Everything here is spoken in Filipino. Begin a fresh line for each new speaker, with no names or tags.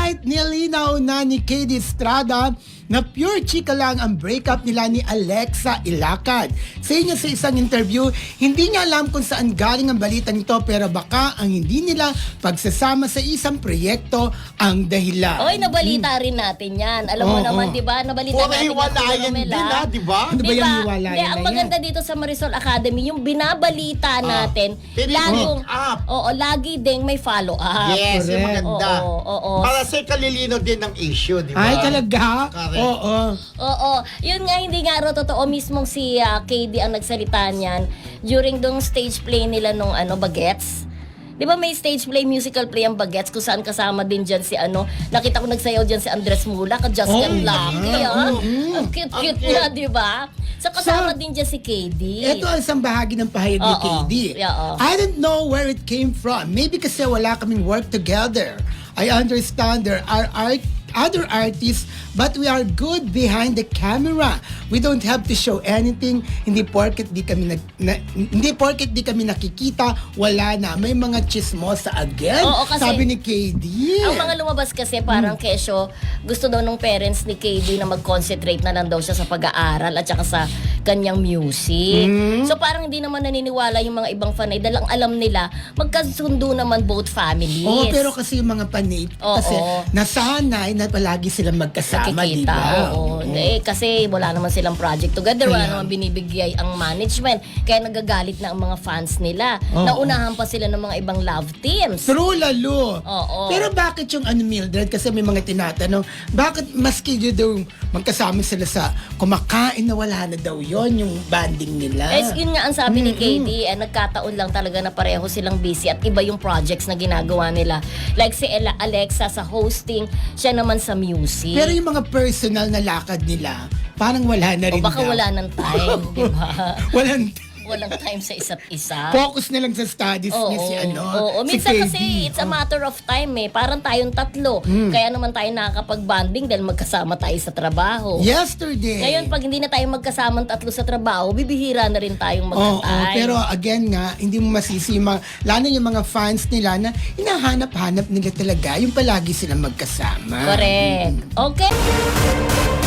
Alright, nilinaw na ni KD Estrada na pure chika lang ang breakup nila ni Alexa Ilacad. Sa inyo sa isang interview, hindi niya alam kung saan galing ang balitang ito pero baka ang hindi nila pagsasama sa isang proyekto ang dahilan.
Oy, nabalita rin natin yan. Alam mo naman, di ba? Nabalita
Puro
natin
hiwalayan din, di ba?
Ano ba
Diba?
yung hiwalayan
Hindi,
na
ang
yan?
maganda dito sa Marisol Academy, yung binabalita natin,
pinipin up.
lagi ding may follow-up.
Yes, yung
Correct.
maganda.
Oo.
Para sa kalilino din ng issue, di ba?
Ay, talaga?
Correct.
Oo.
Oo. Yun nga, hindi nga raw totoo. Mismong si KD ang nagsalita niyan during dong stage play nila nung Bagets. Di ba may stage play, musical play ang Bagets kung saan kasama din dyan si nakita ko nagsayaw dyan si Andres Mula, Just
Oh,
Get Lucky.
yeah.
Ang cute-cute niya, di ba? So kasama din dyan si KD.
Ito ang isang bahagi ng pahayag ni
Oo.
KD.
Oo.
I don't know where it came from. Maybe kasi wala kaming work together. I understand there are other artists, but we are good behind the camera. We don't have to show anything. Hindi porket di kami nakikita, wala na. May mga chismosa again.
Oo, kasi
sabi ni KD.
ang mga lumabas kasi parang kesyo, gusto daw nung parents ni KD na mag-concentrate na lang daw siya sa pag-aaral at saka sa kanyang music. So parang hindi naman naniniwala yung mga ibang fanay dahil ang alam nila, magkasundo naman both families.
Oo, pero kasi yung mga panit, kasi nasanay na palagi silang magkasama, di
Nakikita,
ba?
oo. Kasi wala naman silang project together, wala
Kaya-
naman binibigay ang management. Kaya nagagalit na ang mga fans nila.
Oo.
Naunahan pa sila ng mga ibang love teams.
True, lalo.
Oo.
Pero bakit yung Mildred, kasi may mga tinatanong, bakit maski yun daw magkasama sila sa kumakain na wala na daw yon yung banding nila?
Yun nga ang sabi ni KD, nagkataon lang talaga na pareho silang busy at iba yung projects na ginagawa nila. Like si Alexa sa hosting, siya naman sa music.
Pero yung mga personal na lakad nila, parang wala na
O
rin
baka
daw.
wala ng time, di ba?
Walang
Walang time sa isa't isa.
focus na lang sa studies niya si
Oo.
si
Minsan
KD.
kasi it's a matter of time Parang tayong tatlo. Kaya naman tayo nakakapag-bonding dahil magkasama tayo sa trabaho.
Yesterday.
Ngayon, pag hindi na tayo magkasamang tatlo sa trabaho, bibihira na rin tayong magka-time.
Pero again nga, hindi mo masisi lalo yung mga fans nila na hinahanap-hanap nila talaga yung palagi silang magkasama.
Correct. Okay.